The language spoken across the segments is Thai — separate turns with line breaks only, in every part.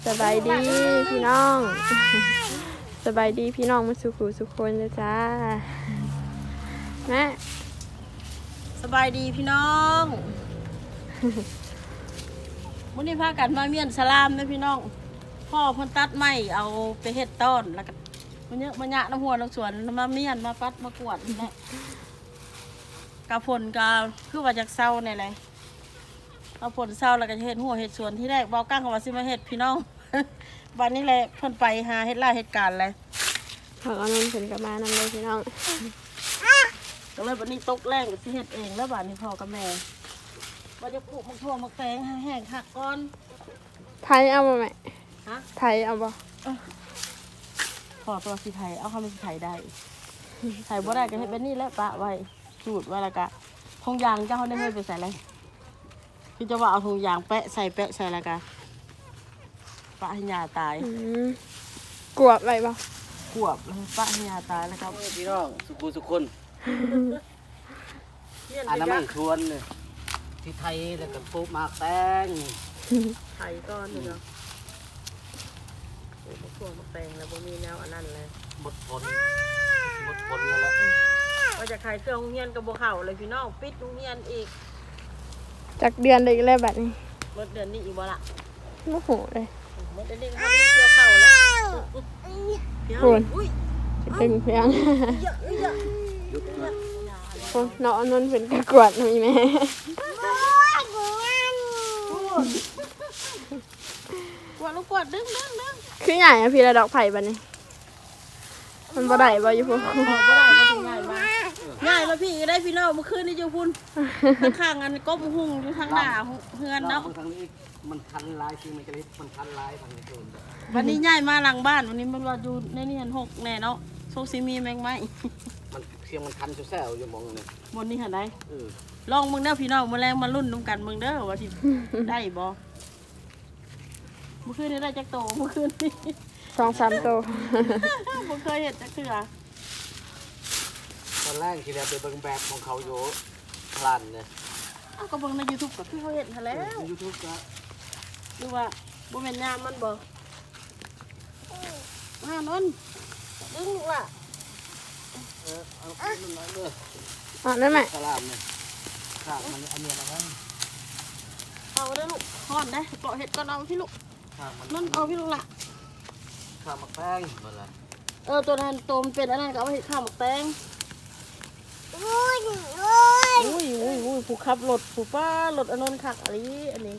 สบายดีพี่น้องสบายดีพี่น้องมาสุขุสุขคนเลยจ้าแม่
สบายดีพี่น้องมื้อนี้พากันมาเมียนสลามนะพี่น้องพ่อเพิ่นตัดไม้เอาไปเฮ็ดต้นแล้วก็มันเยอะมันยะน้ำหัวน้ำสวนมาเมียนมาปัดมากวดนี่แหละกะฝนก็คือว่าจากเศร้านี่แหละเอาฝนเศร้าแล้วก็เฮ็ดหัวเฮ็ดสวนที่แรกเบากั้งเขาว่าสิมาเฮ็ดพี่น้องวันนี้แหละเพิ่นไปหาเฮ็ดไร่เฮ็ดการเลย
ขอเอานนถึงกับมานำเลยพี่น้อง
ก็เลยวันนี้ตกแรงก็สิเฮ็ดเองแล้วบัดนี้พ่อกับแม่ว่าจะปลูกมักถั่วมักแตงให้แห้งคักก่อน
ไทยเอาบ่แม่
ฮะ
ไทยเอาบ่
พอตัวสีไทยเอาคำเป็นสีไทยได้ไทยบ่ได้ก็ให้เป็นนี่แหละปะไว้สูตรไว้แล้วก็ทงยางเจ้าเขาได้ให้ไปใส่อะไรพี่จะว่าเอาทงยางแปะใส่แล้วก็ปะให้ยาตาย
กวบไว้บ่
กวบปะให้ยาตายแล้วครับ
พี่น้องสุคนอันนั้นมันชวนเลยที่ไทยแล้วก็ปลูกหมากแตง
ไทยก้อนเนาะปลูกมะม่วงมะแตงแล้วบ่มีแนวอันนั้นเลย
หมดผลแล้วล่ะ
ว่าจะขายเครื่องโรงเรียนกับบ่เข้าเลยพี่น้องปิดโรงเรียนอีก
จากเดือนเลยแล้วบัดนี้
หมดเดือนนี้อีกบ่ล่ะ
โอ้โหเลย
หมดเดือนนี้เขาเกี่ยวเข้าแล้ว
คุณตึงเพียง
ยุดนะ
คนเนาะนนเป็นกระกวดมีแม่
กวดลูกกวดดึง
คือใหญ่อะพี่ระดอกไผ่บัดนี้มันบ่ได้บ่อยู่พุ่น
บ่ได้บ่ถึงง่ายมาง่ายแล้วพี่ก็ได้พี่น้องเมื่อคืนนี่อยู่พุ่นข้างๆอันก้มหุ่งอยู่ทางหน้าเฮือนเนาะ
ทางนี้มันคันลายจริงมันจะมันคันลายทางนี้โดน
วันนี้ง่ายมาหลังบ้านวันนี้มันว่าอยู่ในนี่หัน6แน่เนาะโซซิมีแมงไม้
มันเสียงมันคันแซ่ๆอยู่มองนี่
บนนี้หันได้ลองมึงเด้อพี่น้องมื้อแรงมาลุ้นนำกันมึงเด้อว่าสิได้บ่เมื่อคืนนี้ได้จักโตเมื่อคืนนี้
2-3 โต
บ่เคยเห็นจักเทื่อ
ตอนแรกที่เราไปเบิ่งแบบของเขาอยู่พลันเนี่ย
ก็เบิ่งใน YouTube ก็คือเขาเห็นแล้ว
YouTube ก็
ดูว่าบ่แม่นยามมันบ่มานนดึงลูกล่ะ
เอาขึ้นมาเด้อ
นั่นแม่
สลามเนี่ยครับมันอันนี้นะครับ
เอาเด้อลูกฮ้อนได้เปาะเห็ดก่อนเอาพี่ลูกนั่นเอาพี่ลูกล่ะ
ข้าวหมักแป้งหมดละ
ตัวนั้นตัวมันเป็นอันนั้นก็เอาไปเห็ดข้าวหมักแตงอุ้ยผู้ขับรถผู้ป้ารถอันนั้นคักอันนี้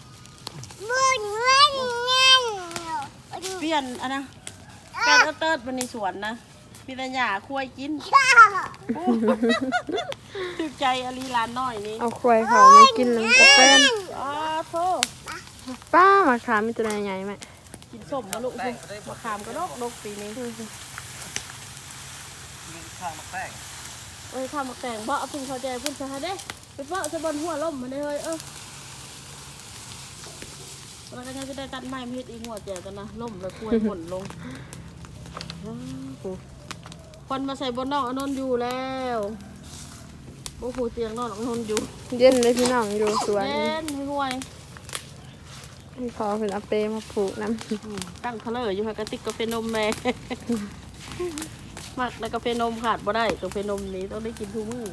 เปลี่ยนอันนะการเติร์ดมันในสวนนะมีแต่หญ้าควายกินตึกใจอลีลานน้อยนี่
เอาควายเขาไม่กินเลยกาแฟ
โธ่
ป้ามาขามมีตัวใหญ่ไหม
กินส้มมาลูกมะขามก็นกปีนี้
ข้าวหมักแป้ง
ข้าวหมักแตงบ่เอาพึ่งเขาใจพึ่งจะหาได้ไปเปาะจะบนหัวล่มมาได้เลยเราก็จะได้ตัดไม้มาเฮ็ดอีกหัวแจกันนะล่มแล้วควายหม่นลงคนมาใส่บนนอกอนนอยู่แล้วโอ้โหเตียงนอนอนอยู่
เย็นเลยพี่น้องอยู่สวน
เย็นห่วย
พี่พอเป็นเอาเปมาผูกน้
ำตั้งทะเลอยู่ค่ะกระติกกาแฟนมแม่มักแล้วกาแฟนมขาดบ่ได้กาแฟนมนี้ต้องได้กินทุกมื้อ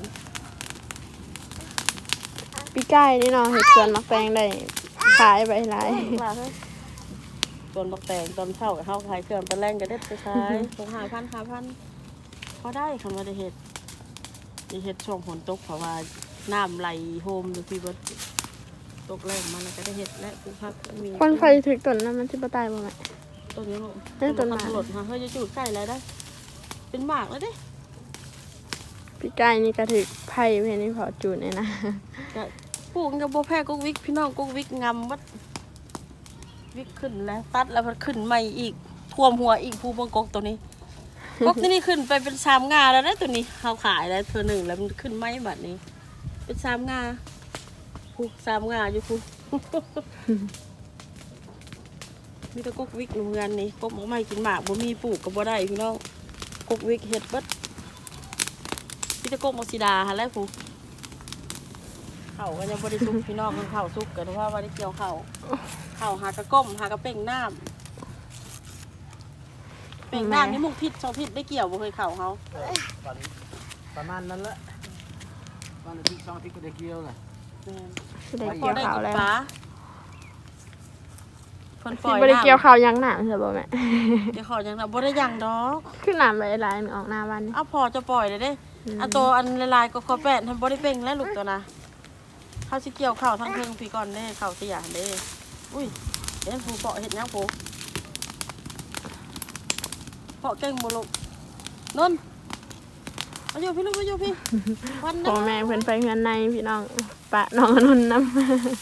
พี่ไก่นี่เนาะเห็ดสวนมักแตงได้ขายไปหลาย
ตอนมักแตงตอนเช้ากับข้าวขายเครื่องตอนแรงก็ได้ไปขายส่ง5,000พอได้คำว่าได้เห็ดช่วงฝนตกเพราะว่าน้ำไหลโฮมอยู่ที่วัดตกแรงมันก็ได้เห็ดและปลูกผักมี
คนไฟถึงต้นนั้นมันที่ปตายบ่ไหม
ต้นนี้ลูก
ต้นหมาก
หลดค่ะเฮ้ยจะจุดใกล้แล้วได้เป็นหมากแล้วดิ
พี่ไก่นี่ก็ถือไผ่เพนี่พอจูดเนี่ยนะ
ปลูกกับโบแพกุ๊กวิกพี่น้องกุ๊กวิกงำวัดวิกขึ้นแล้วตัดแล้วมันขึ้นใหม่อีกท่วมหัวอีกภูบังกกตัวนี้กกนี่ขึ้นไปเป็น3 งาแล้วนะตัวนี้เขาขายแล้วเธอ1แล้วมันขึ้นไหมแบบนี้เป็น3 งาภู3 งาอยู่ภูมีแต่กุ๊กวิกโรงงานนี่กบไม่กินหมากบ่มีปลูกกับบ่ได้พี่น้องกุ๊กวิกเห็ดบัดมีแต่กบมักซิดาฮะแล้วภูขข้าวก็ยังบ่ได้สุกพี่น้องมันข้าวสุกก็เพราะว่าได้เกี่ยวข้าวหากระก้มหากระเป่งน้ำเป่งน้ำนี่มุกพิษ2 พิษได้เกี่ยวบ่เคยข้าวเฮา
ประมาณนั้นแหละวันอาทิตย์2 อาทิตย์ก็ได้เกี่ยวเลย
สิได้
พอ
เกี่ยว
ได้
ข้าว
กิน
แล้ว
ปลาเพิ่นป
สิ
ล่อย
บ่ได้
น้ำ
เกี่ยวข้าวยังหนาใช่บ่แม่
เดี๋ยวขอยังนะบ่ได้ยังดอก
คือน้ำไหลหลายๆออกหน้าบ้านนี่
เอาพอจะปล่อยเลยเด้อันตัวอันลายๆก็ขอแปดทำบ่ได้เป่งแล้วลูกตัวนะเขาสิเกี่ยวข้าวทั้งเพิ่งพี่ก่อนเด้ข้าวเสียเด้อุ้ยเด้ผู้เปาะเฮ็ดหยังผู้เปาะเก่งบ่ลูกนนมาอยู่พี่ลูกมาอยู่พี่วัน
พ่อแม่เพิ่นไปเฮือนในพี่น้องปะน้องอนุนนำ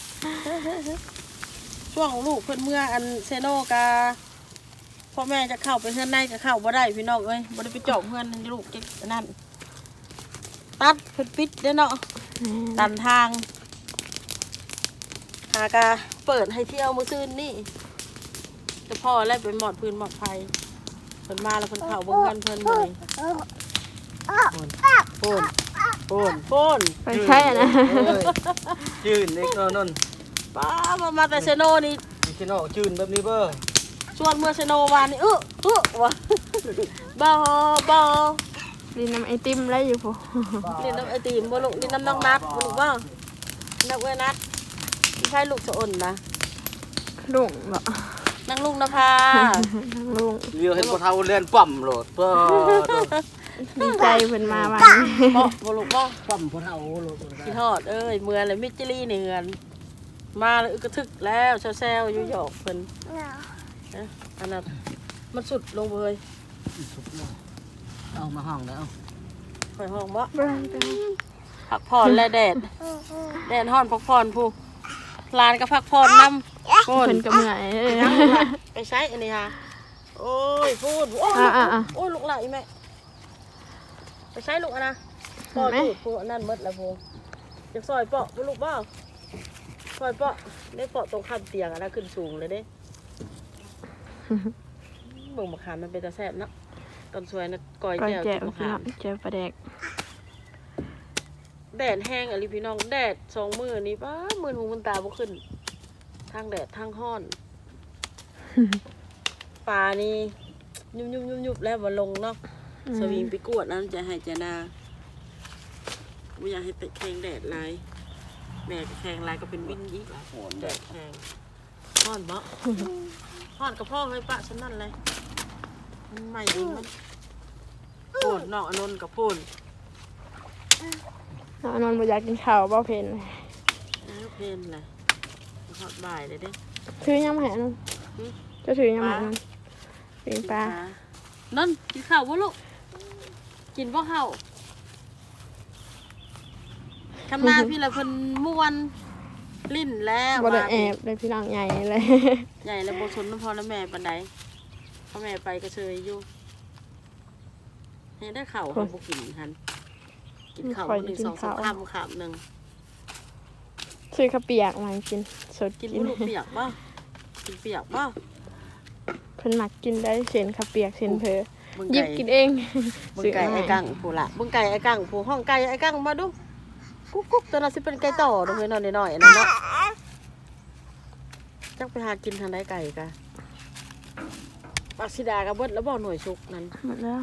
ช่วงลูกเพิ่นเมื่ออันเซโนกาพ่อแม่จะเข้าไปเฮือนในก็เข้าบ่ได้พี่น้องเอ้ยบ่ได้ไปเจาะเฮือนลูกเก็บอันนั้นตัดเพิ่นปิดเด้อเนาะตันทางหากาเปิดให้เที่ยวมื้อซื่นนี่จะพ่อแล้วไปหมอดพื้นหมอดไฟเพิ่นมาแล้วเพิ่นเข้าเบิ่งกันเพิ่นมื้อนี้โปน
ไปใช่อะนะ
จืนนี่ก็นั่น
ป้ามาแต่เซโนนี่
พี่น้องจืนแบบนี้เบ้อ
ชวนเมื่อเซโนวานนี่วะบ่
ลินน้ำไอติมไรอยู่พ่อ
เล่นน้ำไอติมบ่ลูกเล่นน้ำน้องนัดบ่ลูกบ่นักเว้ยนัดไม่ใช่ลูกสะอ่อนนะ
ลุงบ่
นางลุงนภา
ลุง
เลี้ยวเห็นบ่เท่าเล่นปั่มโลดเบ้อ
ดีใจเพิ่นมาวันนี้
บ่ลูกบ่
ปั่มบ่เท่าโลด
พี่ทอดเอ้ยเมื่อเลยมิจิลี่เนือนมาเลยอึกกระทึกแล้วแซวๆอยู่หยอกเพิ่นอันนั้นมันสุดลงเลย
เอามาห้องแล้ว
ข่อยห้องบ่
เบิ่งไป
พักผ่อนและแดดฮ้อนพักผ่อนผู้ลานก็พักผ่อนนำโพ
เพิ่
น
นก็เมื่อย
ไปใช้อันนี้ฮะโอ้ยพูดโอ้ย โอ้ยลูกไหลแม่ไปใช้ลูกอะนะปอจูดผู้นั่นมดแล้วผู้จะซอยเปาะลูกเปล่าซอยเปาะได้เปาะตรงข้ามเตียงอะนะขึ้นสูงเลยเด้เบิ่งมะขามมันเป็นตาแซ่บเนาะตอนสวยนะก้อย
ก้อย
แจ่ว
แจ่
กิ
วน
มะ
พี่
ขา
น้อ
ม
งแจ่วปลาแดก
แดดแห้งอะลิพี่น้องแดด2 มื้อนี้ป้ามือหูมันตาบ่ขึ้นทางแดดทางห้อนปลานี่ยุบแล้วบ่ลงเนาะสวิงไปกวดนั้นจะให้จะนาบ่อยากให้แข็งแดดหลายแม่ก็แข็งหลายก็เป็นวินอีกแดดแข็งห้อนบ่ห้อนกับพ่อเลยปะฉันนั่นเลยมันใหม่เองมันโพนน้องอนนท์กับโพน
น้องอนุนบ่อยากกินข้าวบ่เพิ่น
เพนเลยทอดบ่ายเลยเด้
ถือยังมาให้อนุนเจะถือยังมาให้อนุนปิงปลา
นั่นกินข้าวบ่ลูกกินบ่ข้าวคำนาพี่ละเพิ่นม่วนลิ้นแล้ว
บ่ได้แอบเลยพี่น้องใหญ่เลย
ใหญ่แล้วบ่สนน้ำพ่อและแม่ปานใดพ่อแม่ไปก็เชยอยู่ให้ได้ข้าวเขาบ่กินหันกินข้าวมื้อหนึง2-3 คำคำหนึง
ซื้อข้าวเปียกมากินสด
กิ
กิ
น
น
บ่ลูกเปียกบ่กินเปียกบ่
เพิ่นมักกินได้เส้นข้าวเปียกเส้นเพอ
เบิ่ง
หยิบกินเอง
เบิ่งไก่ไอ้กังผู้ละเบิ่งไก่ไอ้กังผู้ห้องไก่ไอ้กังมาดูกุ๊กๆตัวนั้นสิเป็นไก่ต่อเด้อเฮ้ยน้อยๆอันนั้นเนาะจักไปหากินทางใดไก่กะปักสิดากับเบิดแล้วบ่หน่วยสุกนั้น
หมดแล้ว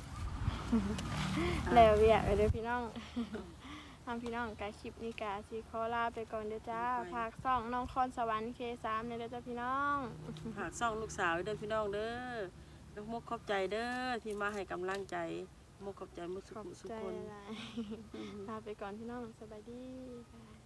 แล้วเวียกไปเด้อพี่น้องทำพี่น้องกาคลิปนี้กาสิขอลาไปก่อนเด้อจ้าฝากซ่องน้องคอนสวรรค์ K3 ในเด้อจ้าพี่น้อง
ฝากซ่องลูกสาวเด้อพี่น้องเด้อน้องมกขอบใจเด้อที่มาให้กำลังใจมกขอบใจมุสุ
ขอบ
สุ
ใจ
คน
หลายลาไปก่อนพี่น้องสบายดี